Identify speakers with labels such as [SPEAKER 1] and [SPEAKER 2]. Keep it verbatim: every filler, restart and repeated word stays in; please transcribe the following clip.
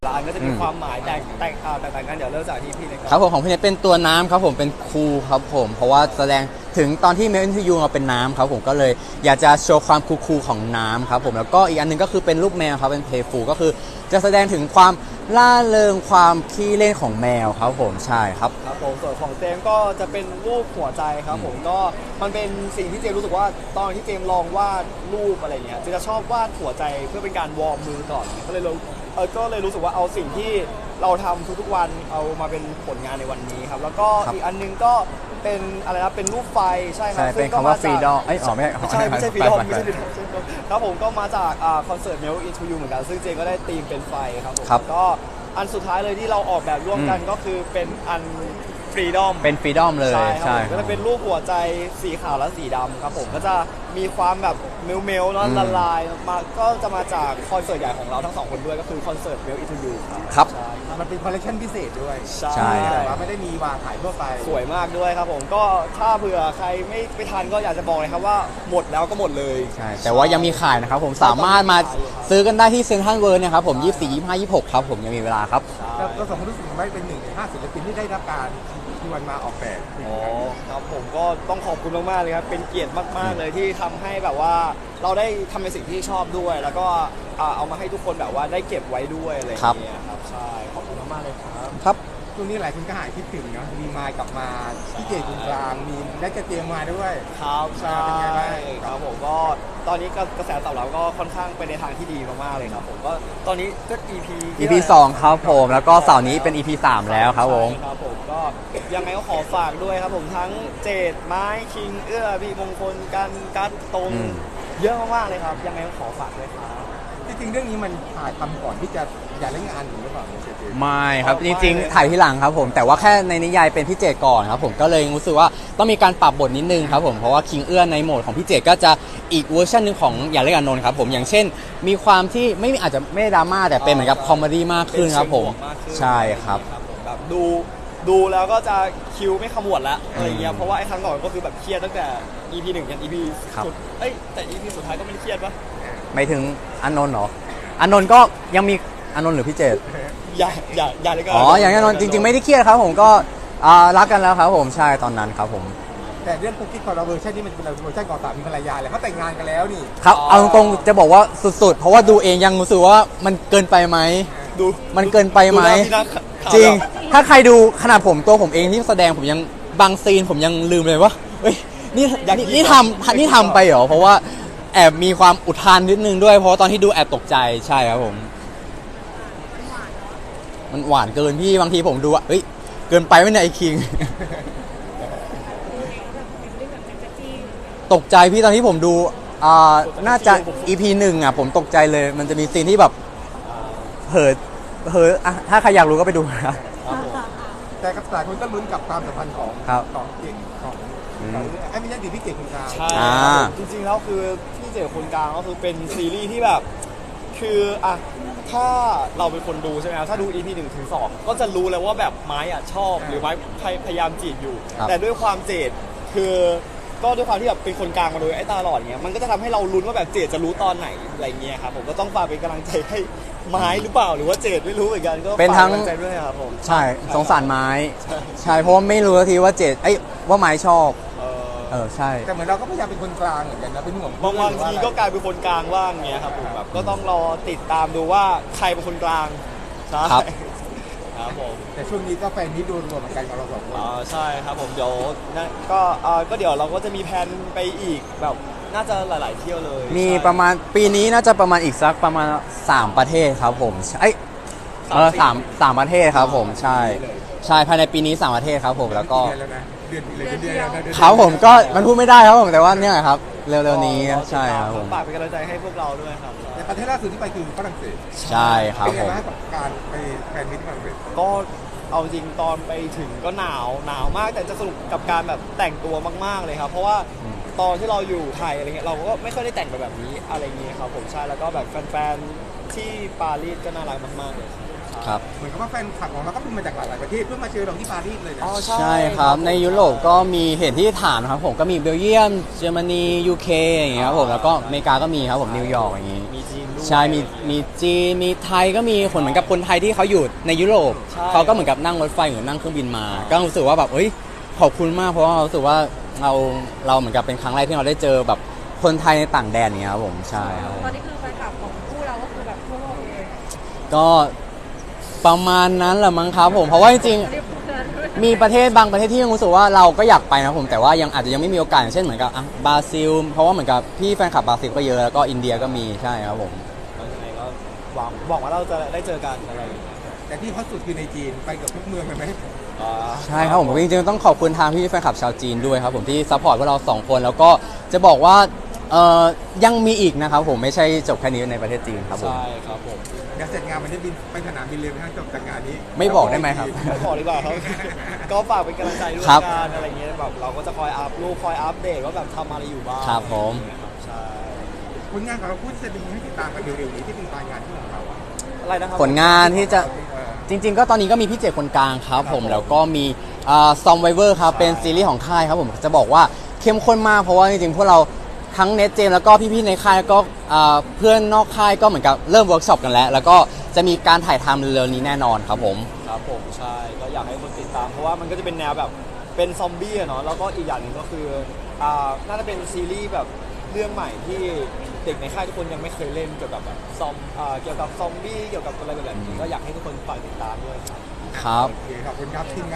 [SPEAKER 1] ละอันก็จะมีความหมายแตกแตกต่างกันเดี๋ยวเริ่มจากที่พี่เลย
[SPEAKER 2] ครับผมของพี่เนทเป็นตัวน้ำครับผมเป็นคูลครับผมเพราะว่าแสดงถึงตอนที่เมลอินทูยูเราเป็นน้ำครับผมก็เลยอยากจะโชว์ความคูลๆของน้ำครับผมแล้วก็อีกอันนึงก็คือเป็นรูปแมวครับเป็นเพย์ฟูลก็คือจะแสดงถึงความล่าเริงความขี้เล่นของแมวครับผมใช่ครับ
[SPEAKER 1] ครับผมส่วนของเจมก็จะเป็นรูปหัวใจครับผมก็มันเป็นสิ่งที่เจมรู้สึกว่าตอนที่เจมลองวาดรูปอะไรเงี้ยจะชอบวาดหัวใจเพื่อเป็นการวอร์มมือก่อนก็เลยเออก็เลยรู้สึกว่าเอาสิ่งที่เราทำทุกๆวันเอามาเป็นผลงานในวันนี้ครับแล้วก็อีกอันนึงก็เป็นอะไรนะเป็นรูปไฟใช่ครับ
[SPEAKER 2] เป็นคำว่าฟรีดอมเอ้ยอ๋อไม่
[SPEAKER 1] ใช่ไม่ใช่ฟรีดอมไม่ใช่ฟรีดอมครับผมก็มาจากคอนเสิร์ต Melt Into You เหมือนกันซึ่งเจก็ได้ธีมเป็นไฟครับผมก็อันสุดท้ายเลยที่เราออกแบบร่วมกันก็คือเป็นอันฟรีดอม
[SPEAKER 2] เป็นฟรีดอมเลย
[SPEAKER 1] ใช่ก็จะเป็นรูปหัวใจสีขาวและสีดำครับผมก็จะมีความแบบเมลเมลเนาะละลายมาก็จะมาจากคอนเสิร์ตใหญ่ของเราทั้งสองคนด้วยก็คือคอนเสิร์ต Melt Into You
[SPEAKER 2] ครับ
[SPEAKER 3] มันเป็นคอลเลคชันพิเศษด้วย
[SPEAKER 2] ใช่
[SPEAKER 3] แต่ว่าไม่ได้มีวางขายทั่วไป
[SPEAKER 1] สวยมากด้วยครับผมก็ถ้าเผื่อใครไม่ไปทันก็อยากจะบอกเลยครับว่าหมดแล้วก็หมดเลย
[SPEAKER 2] ใช่แต่ว่ายังมีขายนะครับผมสามารถมาซื้อกันได้ที่เซ็นทรัลเวิลด์นะครับผมยี่สิบสี่ ยี่สิบห้า ยี่สิบหกครับผมยังมีเวลาครับ
[SPEAKER 3] เราสองคนรู้สึกว่าเป็นหนึ่งในห้าศิลปินที่ได้รับการชวนมาออกแบบ
[SPEAKER 1] อ๋อครับผมก็ต้องขอบคุณมากๆเลยครับเป็นเกียรติมากๆเลยที่ทำให้แบบว่าเราได้ทำในสิ่งที่ชอบด้วยแล้วก็เอามาให้ทุกคนแบบว่าได้เก็บไว้ด้วยอะไรอย่างเงี้ยครับใช่ขอบคุณมากๆเลยครับ
[SPEAKER 2] ครับ
[SPEAKER 3] ช่วงนี้หลายคนก็หายคิดถึงเนาะมีมายกลับมาพี่เจคุณกลางมีได้จะเตรียมมาด้วย
[SPEAKER 1] ครับใช่ครับผมก็ตอนนี้กระแสตอบรับก็ค่อนข้างไปในทางที่ดีมากๆเลยครับผมก็ตอนนี้ก็ อี พี
[SPEAKER 2] อี พี สองครับผมแล้วก็เสาร์นี้เป็น อี พี สามแล้วครับผม
[SPEAKER 1] ครับผมก็ยังไงก็ขอฝากด้วยครับผมทั้งเจดไม้คิงเอื้อพี่มงคลกันกัดตรงเยอะมากๆเลยครับยังไงก็ขอฝากด้วยครับ
[SPEAKER 3] จริงๆเรื่องนี้มันถ่ายทำก่อนที่จะอย่าเล่นงานหรือเปล่า
[SPEAKER 2] ไม่ครับจริงๆถ่ายที่หลังครับผมแต่ว่าแค่ในนิยายเป็นพี่เจตก่อนครับผมก็เลยรู้สึกว่าต้องมีการปรับบทนิดนึงครับผมเพราะว่าคิงเอื้อในโหมดของพี่เจตก็จะอีกเวอร์ชันนึงของอย่าเล่นกับนนท์ครับผมอย่างเช่นมีความที่ไม่อาจจะไม่ดราม่าแต่เป็นเหมือนกับคอมเมดี้มากขึ้นครับผมใช่ครับ
[SPEAKER 1] แบบดูดูแล้วก็จะคิวไม่ขมวดแล้วอะไรเงี้ยเพราะว่าไอ้ครั้งก่อนก็คือแบบเครียดตั้งแต่ อี พี หนึ่งยัน อี พี สุดเอ้ยแต่ อี พี สุดท้ายก็ไม่ได้เครียดปะ
[SPEAKER 2] ไม่ถึงอานนท์เหรออานนท์ก็ยังมีอานนท์หรือพี่เจต
[SPEAKER 1] อย่าอย่าอย่าเลยก็
[SPEAKER 2] อ๋ออย่างอานนท์จริงๆไม่ได้เครียดครับผมก็รักกันแล้วครับผมใช่ตอนนั้นครับผม
[SPEAKER 3] แต่เรื่องคุกกี้คอร์รัปชันนี่มันเป็นเวอร์ชันก่อนสามีภรรยาเลยเขาแต่งงานกันแล้วนี่
[SPEAKER 2] ครับเอาตรงๆจะบอกว่าสุดๆเพราะว่าดูเองยังรู้สึกว่ามันเกินไปไหม
[SPEAKER 1] ดู
[SPEAKER 2] มันเกินไปไหมจริงถ้าใครดูขนาดผมตัวผมเองที่แสดงผมยังบางซีนผมยังลืมเลยว่าเฮ้ยนี่นี่ทำนี่ทำไปเหรอเพราะว่าแอบมีความอุทานนิดนึงด้วยเพราะตอนที่ดูแอบตกใจใช่ครับผมมันหวานเกินพี่บางทีผมดูอ่ะเฮ้ยเกินไปไหมเนี่ยไอ้คิงตกใจพี่ตอนที่ผมดูอ่าน่าจะ อี พี หนึ่งอ่ะผมตกใจเลยมันจะมีซีนที่แบบเหิดเหิดอ่ะถ้าใครอยากรู้ก็ไปดูนะ
[SPEAKER 3] แต่กับหลายคนก็ลุ้นกับความสัมพันธ์ของของเก่งของไอ้ไม่ใช่ดิพี่เก่งคนกลาง
[SPEAKER 1] ใช่จริงๆแล้วคือพี่เจ๋คนกลางก็คือเป็นซีรีส์ที่แบบคืออ่ะถ้าเราเป็นคนดูใช่ไหมถ้าดู อี พี หนึ่งถึงสองก็จะรู้เลยว่าแบบไม้อ่ะชอบหรือไม้พยายามจีบอยู่แต่ด้วยความเจดคือก็ด้วยความที่แบบเป็นคนกลางมาโดยไอ้ตาหลอดเงี้ยมันก็จะทำให้เราลุ้นว่าแบบเจดจะรู้ตอนไหนอะไรเงี้ยครับผมก็ต้องฝากเป็นกำลังใจให้ไม้หรือเปล่าหรือว่าเจดไม่รู้เหมือนกันก็
[SPEAKER 2] เป็นทั้ง
[SPEAKER 1] ใจด้วยครับผม
[SPEAKER 2] ใช่สงสารไม้ใช่เพราะว่าไม่รู้ทีว่าเจดไอ้ว่าไม้ชอบเออใช่
[SPEAKER 3] แต่เหมือนเราก็พยายามเป็นคนกลางเหมือนกันนะเป็นห่วง
[SPEAKER 1] บางบางทีก็กลายเป็นคนกลางว่างเงี้ยครับผมแบบก็ต้องรอติดตามดูว่าใครเป็นคนกลางใช่ครับผม
[SPEAKER 3] แต่ช่วงนี้ก็แฟนนี้ดูรวมเหมือนกันกับเราสองคน
[SPEAKER 1] อ๋อใช่ครับผมเดี๋ยวก็เออก็เดี๋ยวเราก็จะมีแผนไปอีกแบบน่าจะหลายๆเที่ยวเลย
[SPEAKER 2] มีประมาณปีนี้น่าจะประมาณอีกสักประมาณสามประเทศครับผมไอ้เออสามสามประเทศครับผมใช่ใช่ภายในปีนี้สามประเทศครับผมแล้วก็
[SPEAKER 3] เดือนเลยเดือน
[SPEAKER 2] ครับผมก็มันพูดไม่ได้ครับผมแต่ว่าเนี่ยครับเร็วๆนี้ใช่ครับผม
[SPEAKER 1] ฝากเป็นกำลังใจให้พวกเราด้วยครับ
[SPEAKER 3] ในประเทศล่าสุดที่ไปคือฝรั่งเศส
[SPEAKER 2] ใช่ครับผม
[SPEAKER 3] เป็นไงบ้างกับการไปแฟนมิตรฝรั่งเศส
[SPEAKER 1] ก็เอาจริงตอนไปถึงก็หนาวหนาวมากแต่จะสนุกกับการแบบแต่งตัวมากๆเลยครับเพราะว่าตอนที่เราอยู่ไทยอะไรเงี้ยเราก็ไม่ค่อยได้แต่งแบบนี้อะไรเงี้ยครับผมใช่แล้วก็แบบแฟนๆที่ปารีสก็น่ารักมากๆเลย
[SPEAKER 2] ครับ
[SPEAKER 3] เหมือนกับว่าแฟนคลับของเราก็เป็นมาจากหลายประเทศเพื่อมาเจอเราที่ปารีสเลยนะ
[SPEAKER 1] อ๋อ
[SPEAKER 2] ใช่ครับในยุโรปก็มีเห็นที่ฐานครับผมก็มีเบลเยียมเยอรมนียูเคอย่างเงี้ยครับผมแล้วก็อเมริกาก็มีครับผมนิวยอร์กอย่างงี้
[SPEAKER 1] มีจีนด้วย
[SPEAKER 2] ใช่มีมีจีนมีไทยก็มีคนเหมือนกับคนไทยที่เขาอยู่ในยุโรป
[SPEAKER 1] ใช่
[SPEAKER 2] เขาก็เหมือนกับนั่งรถไฟหรือนั่งเครื่องบินมา ก็รู้สึกว่าแบบเอ้ยขอบคุณมากเพราะว่าเรารู้สึกว่าเราเราเหมือนกับเป็นครั้งแรกที่เราได้เจอแบบคนไทยในต่างแดนอย่างเงี้ยครับผมใช่ครับ
[SPEAKER 4] ตอนนี้คือแฟนคลับของคู่เราก็คือแบบทั่วโลกเลย
[SPEAKER 2] ก็ประมาณนั้นแหละมั้งครับผมเพราะว่าจริง
[SPEAKER 4] เรียกเพื่อนด้วย
[SPEAKER 2] ๆมีประเทศบางประเทศที่ยังรู้สึกว่าเราก็อยากไปนะผมแต่ว่ายังอาจจะยังไม่มีโอกาสอย่างเช่นเหมือนกับอ่ะบราซิล เพราะว่าเหมือนกับพี่แฟนคลับบราซิลก็เยอะแล้วก็อินเดียก็มีใช่ครับผม
[SPEAKER 1] แล้วยังไงก็หวังหวังว่าเราจะได้เจอกันอะไรอย่างเงี้ย
[SPEAKER 3] แต่ที่ฮอตสุดคือในจีนไปกับทุกเมืองเลยไหม
[SPEAKER 1] อ่า
[SPEAKER 2] ใช่ครับผมจริงๆต้องขอบคุณทางพี่แฟนคลับชาวจีนด้วยครับผมที่ซัพพอร์ตพวกเราสองคนแล้วก็จะบอกว่าเอ่อยังมีอีกนะครับผมไม่ใช่จบแค่นี้ในประเทศจีนครับผม
[SPEAKER 1] ใช่ครับผม
[SPEAKER 3] เดี๋ยวเสร็จงานมันจะบินไปสนามบินเลยไหมครับจบจากงานนี้
[SPEAKER 2] ไม่บอกได้ไหมครับ
[SPEAKER 1] ไม่ขอดีกว่าครับ ก็ฝากเป็นกำลังใจด้วย
[SPEAKER 2] ครับ
[SPEAKER 1] กันอะไรเงี้ยแบบเราก็จะคอยอัพรูปคอยอัปเดตว่าแบบทำอะไรอยู่บ้าง
[SPEAKER 2] ครับผม
[SPEAKER 1] ใช่
[SPEAKER 3] ผลงานของเราพูดจะมีให้ติดตามกันเร็วๆนี้ที่เป็นรายงานที่ของเราอะ
[SPEAKER 1] อะไรนะครับ
[SPEAKER 2] ผลงานที่จะ
[SPEAKER 3] เออ
[SPEAKER 2] จริง ๆ ก็ตอนนี้ก็มีพี่เจคนกลางครับผมแล้วก็มีซอมไวเวอร์ครับเป็นซีรีส์ของค่ายครับผมจะบอกว่าเข้มข้นมากเพราะว่าจริงๆพวกเราทั้งเนทเจมแล้วก็พี่ๆในค่ายแล้วก็อ่าเพื่อนนอกค่ายก็เหมือนกับเริ่มเวิร์กช็อปกันแล้ว แล้วก็จะมีการถ่ายทำเร็วๆนี้แน่นอนครับผม
[SPEAKER 1] ครับผมใช่ก็อยากให้คนติดตาม เพราะว่ามันก็จะเป็นแนวแบบเป็นซอมบี้อะเนาะแล้วก็อีกอย่างหนึ่งก็คืออ่าน่าจะเป็นซีรีส์แบบเรื่องใหม่ที่เด็กในค่ายทุกคนยังไม่เคยเล่นเกี่ยวกับแบบซอมอ่าเกี่ยวกับซอมบี้เกี่ยวกับอะไรแบบนี้ก็อยากให้ทุกคนฝากติดตามด้วยครับ
[SPEAKER 2] ครับ
[SPEAKER 3] โอเคขอบคุณครับทีมงาน